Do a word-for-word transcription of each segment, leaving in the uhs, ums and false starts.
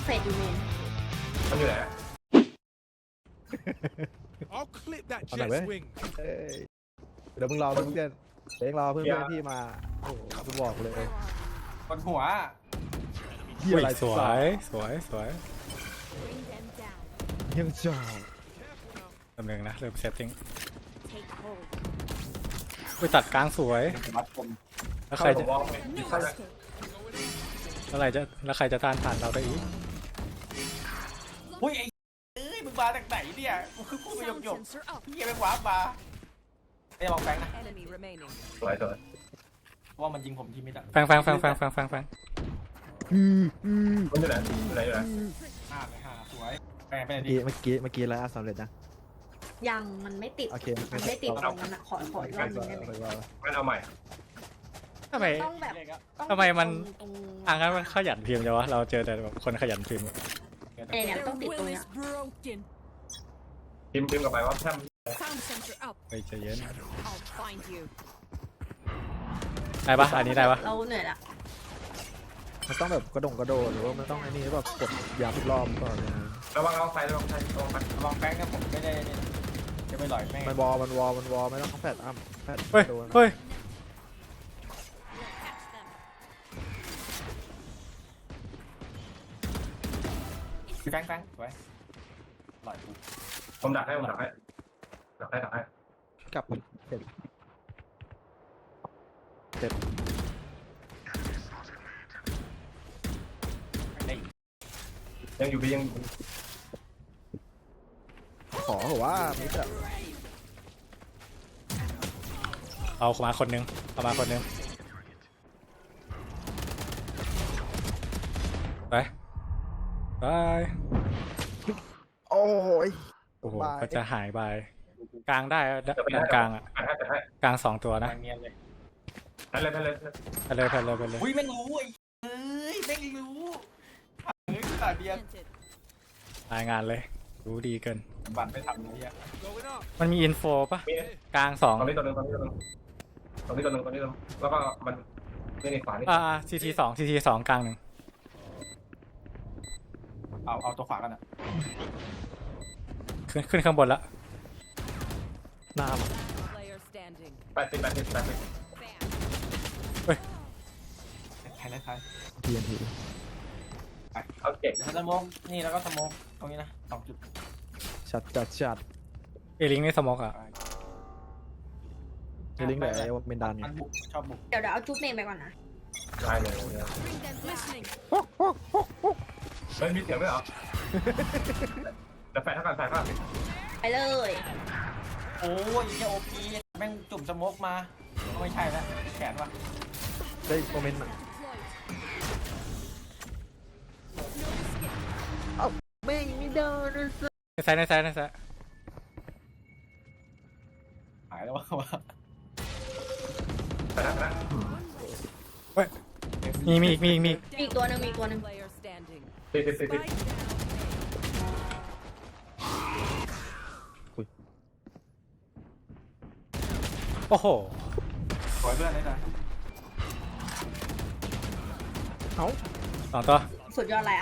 ฟดอยู่เมนมันอยู่ไหน I'll clip that เอาไหน jet's เว้ย wing. เอ้ยเดี๋ยวมึงรอเพื่อนเดี๋ยวรอเพื่อนๆพี่มาโอ้โหกูบอกเลยบนหัวเฮียอะไรสวยสวยสวย Bring them down. ยังจอดตำแหน่งนะเริ่มเซตติ้ง Take hold. ไปตัดกลางสวยมัดผมแล้วใครจะผมมองไม่ No เข้าใจ escape. แล้วใครจะแล้วใครจะต้านผ่านเราได้อีกอุ้ยไอ้เอ้ยมึงมาจากไหนเนี่ยกูคือกูไปหยก Sound หยก sensor up. พี่ไปขวามาไอ้ลองแฟงนะ Enemy remaining. สวยสวยเพราะว่ามันยิงผมที่มิดอะฟังฟังฟังฟังฟังฟังฟังอืมอืมมันอยู่ไหนอยู่ไหนอยู่ไหนห้าไปห้าสวยแฟงไปไหนเมื่อดีกี้เมื่อกี้เมื่อกี้แล้วสำเร็จนะยังมันไม่ติดโอเคมันไม่ติดตรงนั้นอะขอขออีกรอบหนึงได้ไหมงั้นเอาใหม่ทำไมต้องแบบเล็กอะต้องทำไมมันตรงอ่างั้นมันขยันพิมพ์จังวะเราเจอแต่แบบคนขยันพิมพ์เนี่ยเนี่ยต้องติดตรงเนี้ย broken. พิมพ์พิมพ์กลับไปว่าแท่น Sound sensor up. ไปใจเย็น I'll find you. ได้ปะอันนี้ได้ปะเราเหนื่อยละมันต้องแบบกระดงกระโดดหรือว่ามันต้องไอ้นี่แบบกดยาทุกรอบก่อนนะระวังระวังไฟระวังไฟระวังไฟลองแฟงนะผมไม่ได้เนี่ยจะไปหลอยแม่งมันวอลมันวอลมันวอลไม่ต้องแฟดอ้ำแฟดเฮ้ยโดนเฮ้ยแฟงแฟงสวยหลอยกูผมดักให้ผมดักให้ดักให้ดักให้กลับเสร็จเสร็จได้ยังอยู่พี่ยังขอเหรอว่ามิดอะเอามาคนนึงเอามาคนนึงไปไปโอ้ยโอ้โหบายก็จะหายไปกลางได้ด้านกลางอ่ะแปดให้แปดให้กลางสองตัวแฟนะงเนียนเลยแปดเลยแปดเลยไปเลยไปเลยไปเลยอุ้ยแม่งรู้ไอ้เอ้ยแม่งรู้เฮ้ยขาดเดียว Planted. รายงานเลยรู้ดีเกินบัตรไม่ทำเลยเนี่ย Going up. มันมีอินโฟปะมีกลางสองตรงนี้ตัวนึงตรงนี้ตัวนึงตรงนี้ตัวนึงตรงนี้ตัวนึงแล้วก็มันนี่ในขวานี่อ่าซีทีสองซีทีสองกลางหนึ่งเอาเอาตัวขวากันอะขึ้นขึ้นข้างบนละหน้า Player standing. แปดสิบแปดสิบแปดสิบ Bam. ใครนะใครทีนทีเอาเก่งเดี๋ยวสโมกนี่แล้วก็สโมกตรงนี้นะสองจุดชัดจัดชัดเอลิงในสมอกอ่ะเฮลิงแบบไอ้เมนดันมันบุกชอบบุกเดี๋ยวเดี๋ยวเอาจุ๊บเมนไปก่อนนะได้เลย Bring them listening. เฮ้ยมีเสียงด้วยเหรอแต่แฟนเท่ากันแฟนเท่ากันไปเลยโอ้ยแค่โอพีแม่งจุ่มสโมกมาไม่ใช่แล้วแขนว่ะได้โมเมนต์ Deployed. ไม่ไม่ได้นะในซ้ายในซ้ายในซ้ายหายแล้ววะวะแฟนนะเฮ้ยมีมีอีกมีอีกมีอีกมีอีกตัวหนึ่งมีอีกตัวหนึ่ง Player standing. สิบสิบสิบสิบ Spike down. โอ้โหสวยเพื่อนได้จ้ะเอ้าสองตัวสุดยอดแล้ว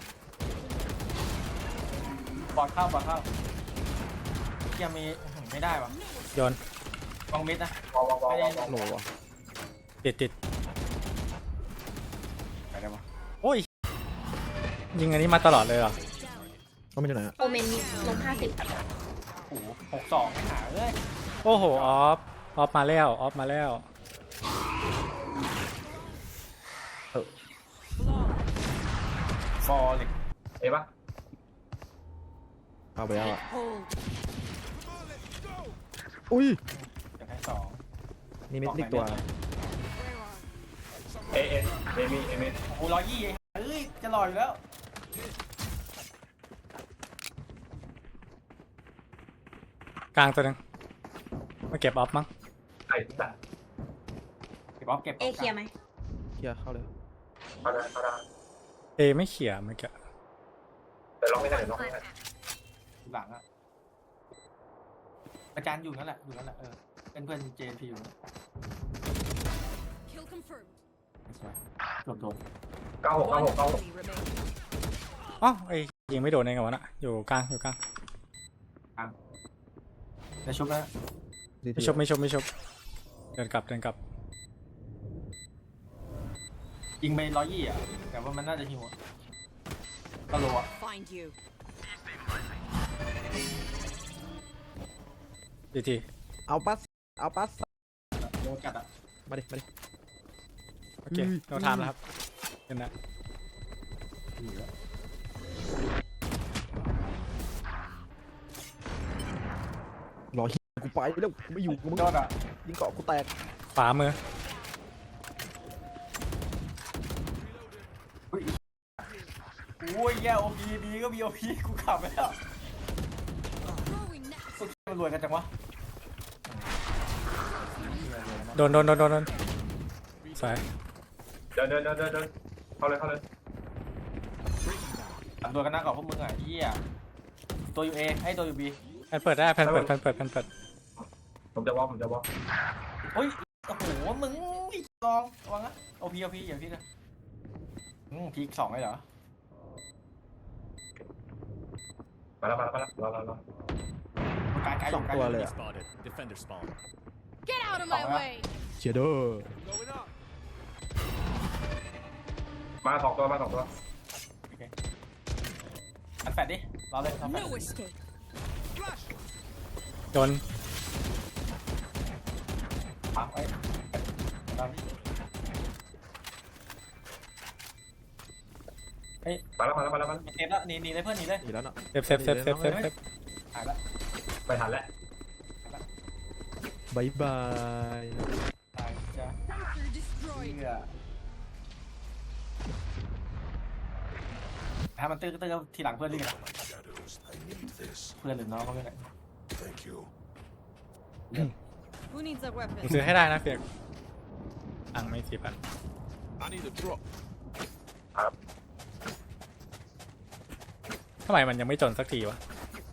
บอดเข้าบอดเข้ายังมีไม่ได้วะโยนวางมิดนะวางวางวางวางวางโหลวะติดติดไปได้ปะโอ้ยยิงอันนี้มาตลอดเลยเหรอก็ไม่ใช่ไหนอะโอเมนมีลงห้าสิบโอ้โหหกสองหาเลยโอ้โหออฟออฟมาแล้วออฟมาแล้วฟอร์เล็กเอ๋ปะเอาไปแล้วอะ Hold. อุ้ยจะให้สองนี่มิดอีกตัวเอเอเอมีเอมีโอ้โหร้อยยี่เอ้ยจะลอยอยู่แล้วกลางตัวหนึงมาเก็บออฟมั้งไอ้สัตว์เก็บออฟเก็บเอเคลียร์ไหมเคลียร์เข้าเลยเอาได้เอาได้เอไม่เขี่ยเมื่อกี้แต่ล็อกไม่ได้เดี๋ยวล็อกไม่ได้หลังอะอาจารย์อยู่นั่นแหละอยู่นั่นแหละเออเป็นเพื่อนเจนพีอยู่ Kill confirmed. สวยหลบโดนเก้าหกเก้าหก One เก้าหก enemy remaining. อ๋อไอ้ยิงไม่โดนเองกับวะน่ะอยู่กลางอยู่กลางในชุบนะไม่ชบไม่ชบไม่ชบเดินกลับเดินกลับยิงไปร้อยยี่อ่ะแต่ว่ามันน่าจะหิวอะก็รู้อ่ะ Find you. ดีทีเอาปัสเอาปัสโดนกัดอ่ะมาดิมาดิโอเคเราทำแล้วครับเห็นนะรอเหี้ยกูไปแล้วกูไม่อยู่กูมึงโดนอ่ะยิงเกาะกูแตกขวามือโอ้ยแย่โอพีบีก็มีโอพีกูขับไปแล้ว Throwing net. สุดมันรวยกันจังวะโดนโดนโดนโดนโดนสายเดินเดินเดินเดินเดินเข้าเลยเข้าเลยอันรวยกันนะกับพวกมึงอ่ะเหี้ยตัวยูเอให้ตัวยูบีแผ่นเปิดได้แผ่นเปิดแผ่นเปิดแผ่นเปิดผมจะวอลผมจะวอลเฮ้ยโอ้โหมึงลองระวังนะโอพีโอพีอย่าพีนะอืมพีสองเลยเหรอมาแล้วมาแล้วมาแล้วรอรอรอการการสองตัวเลยอะ Spotted. Defender spawn. Get out of my Oh, yeah. way. เชียร์เด้อ Going up. มาสองตัวมาสองตัวโอเคอันแฟดดิรอเลยทำแฟด No escape. โดนปักไว้ดันเฮ้ยมาแล้วมาแล้วมาแล้วมาแล้วเซฟแล้วหนีหนีเลยเพื่อนหนีเลยหนีแล้วเนาะเซฟเซฟเซฟเซฟเซฟเซฟหายแล้วไปทันแล้วบายบายตายจ้ะ Sensor destroyed. เหี้ยถ้ามันตื้อก็ตื้อทีหลังเพื่อนรีบนะ Shadows. I need this. เพื่อนหรือน้องก็ไม่ได้ Thank you. Who needs a มึง weapon? ซื้อให้ได้นะเพียกตังค์ไม่สี่พัน I need a drop. ทำไมมันยังไม่จนสักทีวะ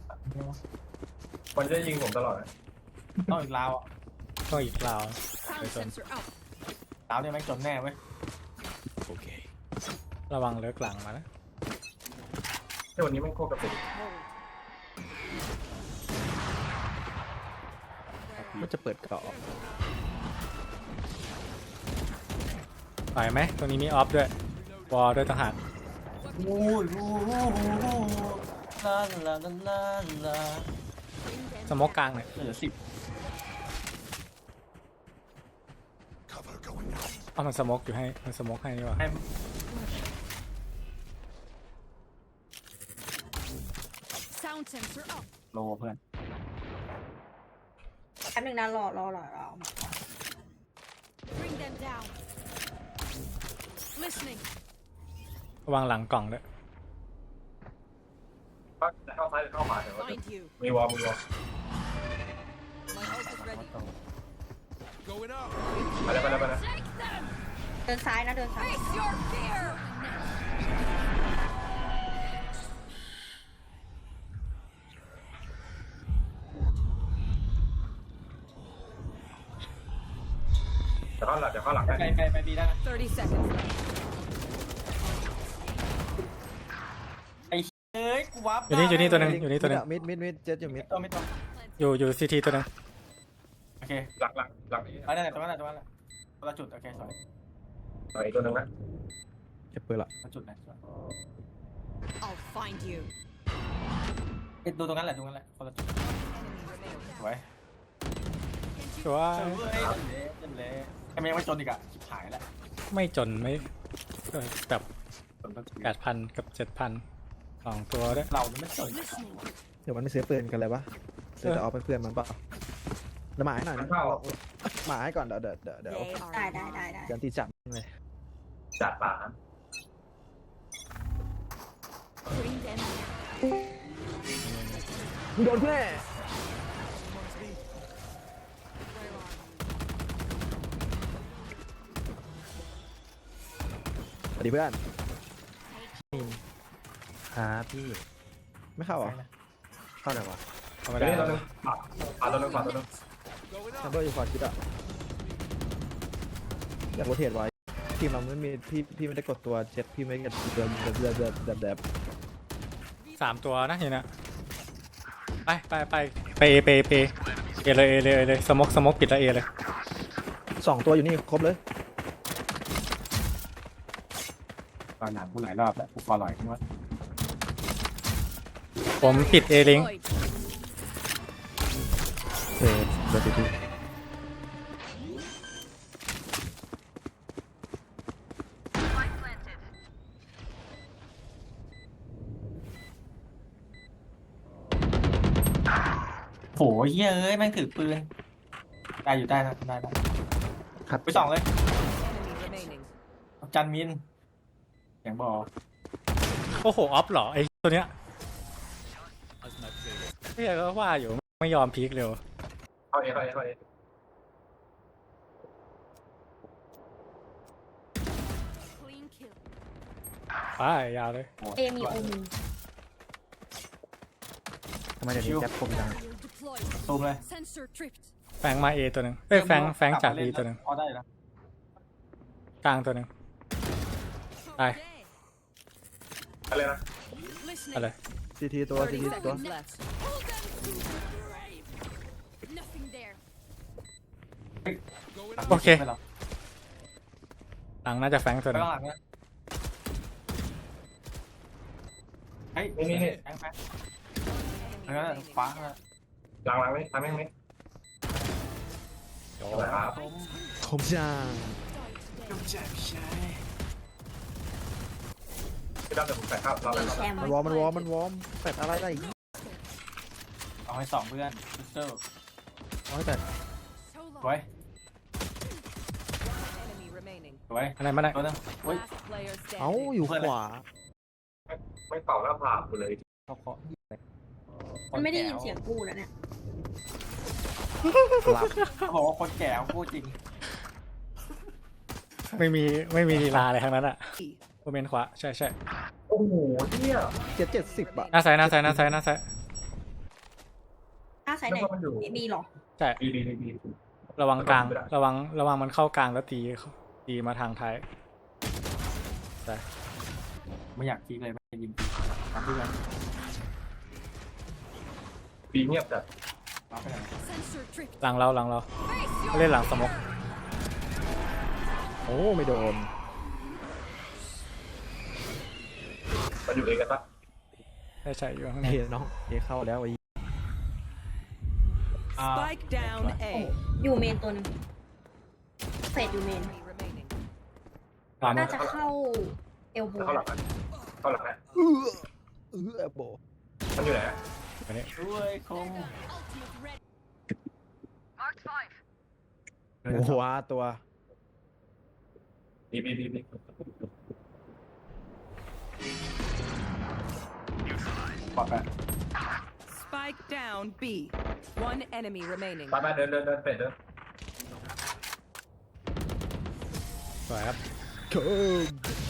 มันจะยิงผมตลอดต้องอีกลาวอ่ะต้องอีกราว Sound sensor up. ลาวเนี่ยแม่งจนแน่เว้ย Okay. ระวังเลิกหลังมานะที่วันนี้มันโคตรกระตุก Hold. ก็จะเปิดเกาะไปไหมตรงนี้มีออฟด้วยวอลด้วยต่างหากโอ้ยโอ้โหลาลาลาลาลา Bring them สโมกกลางหน่อยเหลือสิบ Cover going out. เอามันสโมกอยู่ให้มันสโมกให้นี่หว่าให้ Sound sensor up. โลเพื่อนแป๊บนึงนะรอรอรอรอ Bring them down. Listening. ระวังหลังกล่องด้วยจะเข้าซ้ายหรือเข้าขวาเดี๋ยว Find you. มีวอลมีวอล My ult is ready. Going up. ไปแล้วไปแล้วไปแล้ว Take them. เดินซ้ายนะเดินซ้าย Face your fear. เดี๋ยวเข้าหลังเดี๋ยวเข้าหลังไปได้ไปไปดีได้นะ Thirty seconds left. ไอ้เอ้ยกูวับอยู่นี่อยู่นี่ตัวหนึงอยู่นี่ตัวหนึงมิดมิดมิดเจ็ดอยู่มิดตัวไม่ตัวอยู่อยู่ซีทีตัวหนึงโอเคหลังหลังหลังนี้เอาได้ไหนตัวนั้นแหละตัวนั้นแหละตัวละจุดโอเคสวยต่ออีกตัวหนึงนะเก็บปืนละตัวจุดไหนสวย I'll find you. เอ้ยดูตรงนั้นแหละตรงนั้นแหละคนละจุด Enemy remaining. สวยชัวเฮ้ยเละเละเละทำไมยังไม่จนอีกอะชิบหายแล้วไม่จนไม่เออแบบจนต้องจุดแปดพันกับเจ็ดพันสองตัวด้วยเราไม่จน Listening. เดี๋ยวมันไม่ซื้อปืนกันเลยวะซื้อแต่เอาไปเพื่อนมันเปล่าเดี๋ยวหมาให้หน่อยนะหมาให้ก่อนเดี๋ยวเดี๋ยวเดี๋ยวเดี๋ยว They ได้ are ได้ได้ได้ยันตีจับเลยจัดป่า Bring them down. มึงโดนแน่ Where are you? สวัสดีเพื่อนครับพี่ไม่เข้าเหรอเข้าไหนวะธรรมเดี๋ยวดานี้ตัวหนึงป่าป่าตัวหนึงป่าตัวหนึง Going แชม up. เบอร์อยู่ขวาคิดอะอยากโรเทตไว้ทีมเราไม่มีพี่พี่ไม่ได้กดตัวเจ็ดพี่ไม่ได้กดตัวแบบแบบแบบแบบแบบสามตัวนะเห็นนะไปไปไปไปเอไปไปเอเลยเอเลยเอเลยสมกสมกปิดแล้วเอเลยสองตัวอยู่นี่ครบเลยตอนหนังกูหลายรอบแล้วกูฟอลลอยขึ้นว่าผมปิดเอลิง Deployed. เออเดี๋ยวทีทีโหเฮียเอ้ยแม่งถือปืนได้อยู่ได้นะได้ได้ขัดไปสองเลย Enemy remaining. จันมินเสียงบอกโอ้โหออฟเหรอไอตัวเนี้ย As my favorite. เฮ้ยก็ว่าอยู่ไม่ยอมพีคเร็วเข้าเอเข้าเอเข้าเอ Clean kill. ไปยาวเลยเอมีโอมีทำไมเดี๋ยวนี้แจ็คคมจัง Barrier deployed. ซูมเลย Sensor tripped. แฟงมาเอตัวหนึ่งเอ้ยแฟงแฟงจากบีตัวหนึ่งพอได้แล้วกลางตัวหนึ่ง Okay. อะไรนะ Listening. อะไรทีทีตัวที thirty ทีตัว seconds left. Hold them to the grave. Nothing there. Going up. โอเคไปหรอหลังน่าจะแฟงตัวหไปนึ่งข้างหลังนะเฮ้ยนี่นี่นี่แฟงแฟง Enemy แล้วก็ remaining. ฟ้านะหลังหลังนี่ทำแม่งไหมอะไรครับผมคมจังพี่ดำเดี๋ยวผมใส่ข้าวรอมีแล้วแชมป์มันวอร์มมันวอร์มมันวอร์มแฟดอะไรได้อีกเอาให้สองเพื่อนพิสเตอร์เอาให้แฟด So สวย long. Enemy remaining. สวยอะไรมาได้ตัวนึงเฮ้ย Last player เอ้า standing. อยู่ขวาไม่เป่าหน้าผากกูเลยเขาเคาะมันไม่ได้ยินเสียงกูแล้วเนี่ยหลับเขาบอกว่าคนแก่เขาพูดจริงไม่มีไม่มีลีลาอะไรทั้งนั้นอะโมเมนต์ขวาใช่ใช่โอ้โหเนี่ยเจ็ดเจ็ดสิบอะหน้าซ้ายหน้าซ้ายหน้าซ้ายหน้าซ้ายอ้าสายไหนแล้วก็มันอยู่บีเหรอใช่ดีดีดีดีระวังกลางระวังระวังมันเข้ากลางแล้วตีตีมาทางท้ายไม่อยากคิดเลยไม่อยากยิงทำเพื่อนปีเงียบจัดรับไปไหน Sensor tripped. หลังเราหลังเรา Face your เล่นหลังสมกโอ้ไม่โดนมันอยู่เองกันปะใช่ใช่อยู่ข้างในเฮ้ยน้องเอเข้าแล้วไอ้อ่า Spike down โอ้ A. อยู่เมนตัวหนึงเฟดอยู่เมน Enemy remaining. ตามน่าจะเข้าเอลโบเข้าหลังนะเข้าหลังนะเออเออโบมันอยู่ไหนอันนี้ด้วยคงโอ้โหว้าตัวดีดีดีดีปลอดไป Spike down B. One enemy remaining. ไปไปเดินเดินเดินเป็ดเดินสวยครับเคิร์